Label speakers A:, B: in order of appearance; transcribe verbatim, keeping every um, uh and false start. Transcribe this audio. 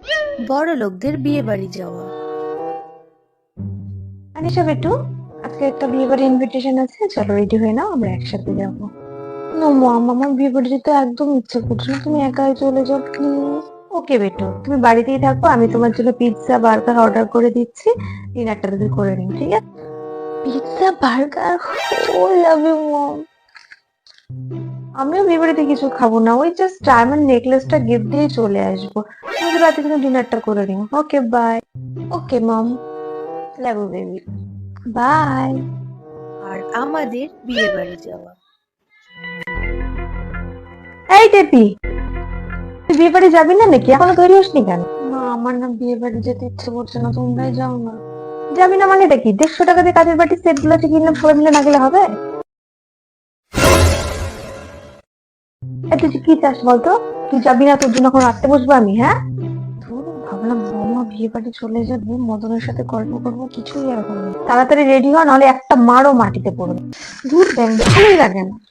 A: বড় লোকদের বিয়ে বাড়ি যাওয়া।
B: আনিশা বেটু, আজকে একটা বিয়ে বাড়ির ইনভিটেশন আছে, চলো রেডি হয়ে নাও, আমরা একসাথে যাবো। নো মম, আমার বিয়ে বাড়ি যেতে একদম ইচ্ছে করছে না, তুমি একাই চলে যাও প্লিজ। ওকে বেটু, তুমি বাড়িতেই থাকো, আমি তোমার জন্য পিৎজা বার্গার অর্ডার করে দিচ্ছি, ডিনারটা যদি করে নিও, ঠিক আছে? পিৎজা বার্গার, ও লাভ ইউ মম। আমিও বিয়ে বাড়িতে কিছু খাবো না, ওই জাস্ট ডায়মন্ড নেকলেসটা গিফট দিয়ে চলে আসবো। তুমি রাতে কিন্তু ডিনারটা করে নিও। Okay bye. Okay mom, love you baby, bye.
A: আর আমাদের বিয়ে বাড়ি যাওয়া।
B: এই টেপি, তুই বিয়ে বাড়ি যাবি না নাকি? এখনো তৈরি হসনি কেন? না, আমার না বিয়ে বাড়ি যেতে ইচ্ছে করছে না, তোমরাই যাও না। যাবি না মানেটা কি? দেড়শো টাকা দিয়ে কাজের বাড়ির সেট গুলো কিনলাম, সবাই মিলে না গেলে হবে? এই তুই কি চাস বলতো? তুই যাবি না, তোর জন্য এখন রাখতে বসবো আমি, হ্যাঁ? ধুর, ভাবলাম মামা বিয়ে বাড়ি চলে যাবে, মদনের সাথে গল্প করবো, কিছুই আর হলো না। তাড়াতাড়ি রেডি হ, নাহলে একটা মারও মাটিতে পড়বে। ধুর, ব্যাং ভালোই লাগে না।